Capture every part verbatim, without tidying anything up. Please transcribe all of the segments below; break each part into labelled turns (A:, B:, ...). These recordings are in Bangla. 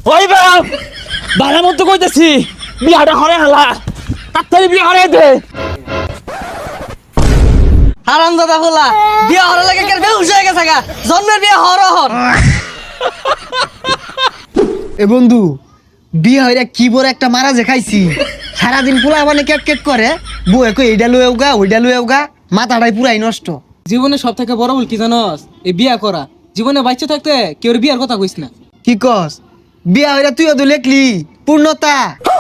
A: ওই বাপ বালা মতো কইতেছি বিয়াটা হরে হালা তাড়াতাড়ি বিয়া হরে দে।
B: হারাম দাদা বলা বিয়া হরে লাগে কেন বেহুশ হয়ে গেছে গা জন্মের বিয়া হর হর।
C: এ বন্ধু বিয়ে হইরা কি বড় একটা মারা যে খাইছি সারাদিন পোলা মানে কেক কেক করে বউ কই এইটা লুয়েও গা ওইটা লুয়েও গা মাথাটাই পুরাই নষ্ট।
B: জীবনে সব থেকে বড় ভুল কি জানোস? এই বিয়া করা। জীবনে বাচ্চা থাকতে কেউ বিয়ার কথা কইস না।
C: কি কস বিয়া হইরা তুইও তো লেখলি পূর্ণতা।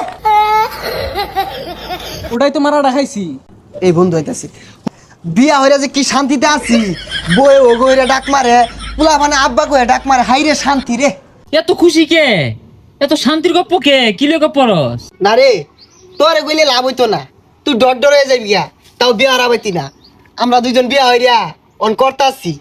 B: ওটাই তো মারা রাখাইছি।
C: এই বন্ধু হইতাছি বিয়া হইরা যে কি শান্তিতে আছি বউ ও গইরা ডাক মারে পোলা মানে আব্বা কইরা ডাক মারে হাই রে শান্তি রে।
A: এত খুশি কে এত শান্তির গপ্প কে কি লেগে পড়স?
C: না রে তোরে কইলে লাভ হইতো না তুই ডর ডর হয়ে যাবি গা তাও বিয়া হারাবাইতি না। আমরা দুইজন বিয়া হইরা অন করতাছি।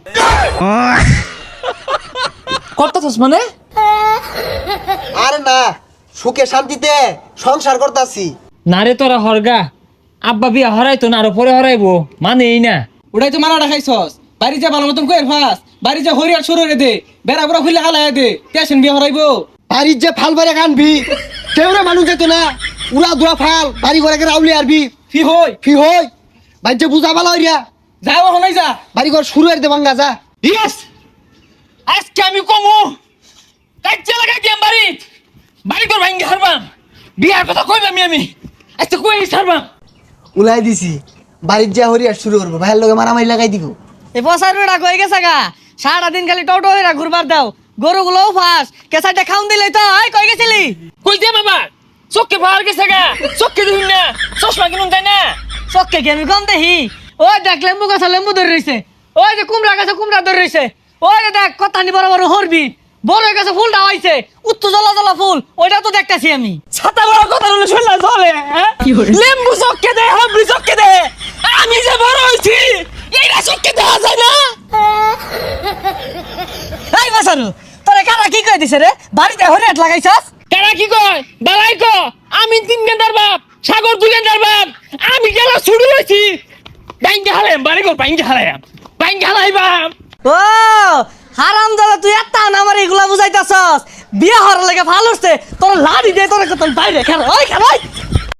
A: করতাছস মানে?
C: আরে না সুখে শান্তিতে সংসার করতাছি।
A: না রে তোরা হরগা আব্বা বিয়া হরাইতো না আরো পরে হরাইবো মানে এই না।
B: ওটাই তো মারা রাখাইছস। বাড়ি যা ভালো মতন কইর ফাস। বাড়ি যা হরিয়ার শুরু রে দে। বেড়া বুড়া খুলে হালায় দে। টেনশন বিয়া হরাইবো।
C: বাড়ির যে ফাল বাড়ি কানবি কেউরে মানুষ যেত না উড়া দুরা ফাল বাড়ি ঘরে রাউলি আরবি
B: ফি হই
C: ফি হই ভাই যে বুঝা ভালো হইয়া
B: যাও হনাই যা।
C: বাড়ি ঘর শুরু হইতে ভাঙ্গা যা।
A: ইয়েস আজকে আমি কমু কাচ্চা লাগা গেম বাড়ি বাড়ি কর ভাঙ্গি হারবাম বিয়ার কথা কইবাম আমি আজকে কই হারবাম।
C: উলাই দিছি বাড়ির যা হরিয়া শুরু করবো ভাইয়ের লগে মারামারি লাগাই দিব।
B: এই বসার বেড়া কই গেছে গা সারা দিন খালি টোটো হইরা ঘুরবার দাও গরুগুলোও ফাস কেসাটা খাউন দিলে তো আই কই গেছিলি?
A: কই দে বাবা চোখে ভার গেছে গা চোখে দিন না চশমা কিনুন তাই না
B: চক্কে কি আমি কম দেখি? ওই দেখ লেম্বু গাছ লেম্বু ধরে রইছে। ওই যে কুমড়া গাছে কুমড়া ধরে রইছে। ওই যে দেখ কতানি বড় বড় হরবি বড় হয়ে গেছে ফুলটা হইছে উত্তর জ্বলা জ্বলা ফুল ওইটা তো দেখতাছি আমি।
A: ছাতা বড় কথা বলে শুনলা চলে লেম্বু চোখে দে হবরি চোখে দে আমি যে বড় হইছি এইটা চোখে দেওয়া যায় না।
B: এই বাসারু তোরে কারা কি কই দিছে রে? বাড়িতে হরিয়াট লাগাইছস?
A: তারা কি কয় বালাই ক আমি তিন গেন্দার বাপ সাগর দুই গেন্দার বাপ আমি গেলা ছুড়ু হইছি বাইঙ্গা হালাম বাড়ি কর বাইঙ্গা হালাম বাইঙ্গা হালাই বাপ।
B: ও হারাম দাদা তুই এত না আমার এগুলা বুঝাইতাছস। বিয়া হওয়ার লাগে ভালো হচ্ছে তোর লাড়ি দে তোর কত বাইরে খেলা ওই খেলা